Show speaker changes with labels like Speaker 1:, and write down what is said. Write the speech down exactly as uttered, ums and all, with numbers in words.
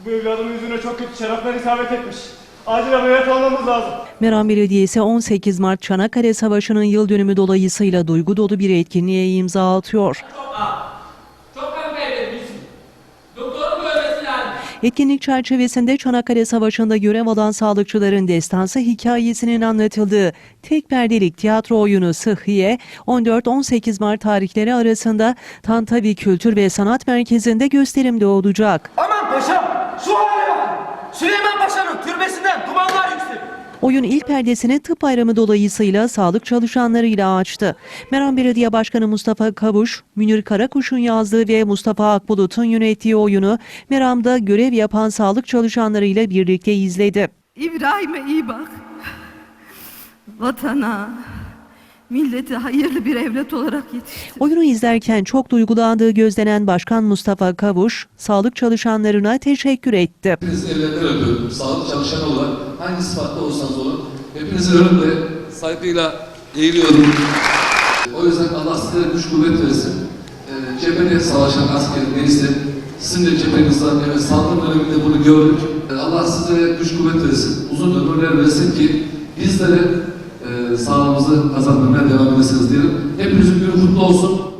Speaker 1: Bu evladımın yüzüne çok kötü şaraplar isabet etmiş. Acil ameliyat olmamız lazım.
Speaker 2: Meram Belediyesi on sekiz Mart Çanakkale Savaşı'nın yıl dönümü dolayısıyla duygu dolu bir etkinliğe imza atıyor. Etkinlik çerçevesinde Çanakkale Savaşı'nda görev alan sağlıkçıların destansı hikayesinin anlatıldığı tek perdelik tiyatro oyunu Sıhhiye, on dört on sekiz Mart tarihleri arasında Tantavi Kültür ve Sanat Merkezi'nde gösterimde olacak.
Speaker 3: Aman paşam, şu hale bak! Süleyman Paşa'nın türbesinden dumanlar yükseliyor.
Speaker 2: Oyun ilk perdesini tıp bayramı dolayısıyla sağlık çalışanlarıyla açtı. Meram Belediye Başkanı Mustafa Kavuş, Münir Karakuş'un yazdığı ve Mustafa Akbulut'un yönettiği oyunu Meram'da görev yapan sağlık çalışanlarıyla birlikte izledi.
Speaker 4: İbrahim'e iyi bak. Vatana, millete hayırlı bir evlat olarak yetiştir.
Speaker 2: Oyunu izlerken çok duygulandığı gözlenen Başkan Mustafa Kavuş, sağlık çalışanlarına teşekkür etti.
Speaker 5: Hepinizi ellerinden öpüyorum. Sağlık çalışanı olarak hangi sıfatta olsanız olun, hepinizin önünde saygıyla eğiliyorum. O yüzden Allah size güç kuvvet versin. E, cephede savaşan asker neyse, sizin de cephenizden, evet, salgın döneminde bunu gördük. E, Allah size güç kuvvet versin, uzun ömürler versin ki bizlere e, sağlığımızı kazanmaya devam edesiniz diyelim. Hepinizin günü kutlu olsun.